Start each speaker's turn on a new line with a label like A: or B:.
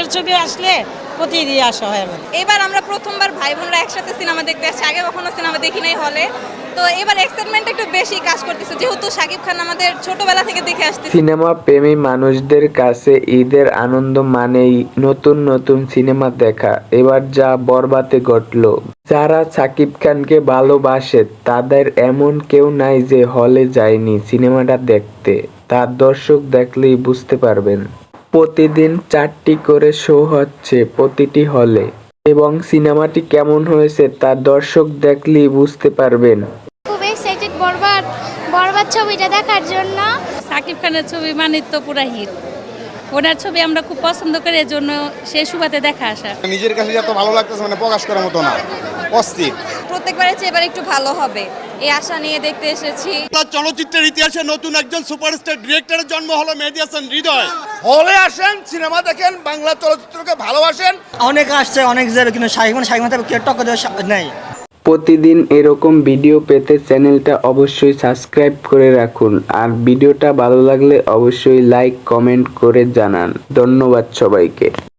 A: সাকিবের ছবি আসলে প্রতিদিন আসা হয় আমার।
B: এবার আমরা প্রথমবার ভাই বোনরা একসাথে সিনেমা দেখতে আসছি, আগে কখনো সিনেমা দেখি নাই হলে। তো এবার এক্সাইটমেন্ট একটু বেশি কাজ করতেছে, যেহেতু শাকিব খান আমাদের ছোটবেলা থেকে দেখে আসতেছি।
C: সিনেমা প্রেমী মানুষদের কাছে ঈদের আনন্দ মানেই নতুন নতুন সিনেমা দেখা। এবার যা বরবাদে ঘটলো, যারা শাকিব খানকে ভালোবাসে তাদের এমন কেউ নাই যে হলে যায়নি সিনেমাটা দেখতে। তার দর্শক দেখলেই বুঝতে পারবেন। প্রতিদিন 4টি করে শো হচ্ছে প্রতিটি হলে, এবং সিনেমাটি কেমন হয়েছে তা দর্শক দেখলেই বুঝতে পারবেন।
D: খুব এক্সাইটেড বরবাদ বরবাদ ছবিটা দেখার জন্য।
E: সাকিব খানের ছবি মানে তো পুরা হিট। ওনার ছবি আমরা খুব পছন্দ করি, এর জন্য সে সুবাদে দেখা আসা।
F: নিজের কাছে যত ভালো লাগতেছে মানে প্রকাশ করার মতো না, অস্থির।
B: প্রত্যেকবারের চেয়ে এবার একটু ভালো হবে এই আশা নিয়ে দেখতে এসেছি।
G: চলচ্চিত্রের ইতিহাসে নতুন একজন সুপারস্টার ডিরেক্টরের জন্ম হলো মেহেদী হাসান হৃদয়।
F: হলে আসেন, সিনেমা দেখেন, বাংলা চলচ্চিত্রকে ভালোবাসেন।
H: অনেক আসছে, অনেক যাবে, কিন্তু শাকিব কেউ টক্কর দেওয়া নেই।
C: প্রতিদিন এরকম ভিডিও পেতে চ্যানেলটা অবশ্যই সাবস্ক্রাইব করে রাখুন, আর ভিডিওটা ভালো লাগলে অবশ্যই লাইক কমেন্ট করে জানান। ধন্যবাদ সবাইকে।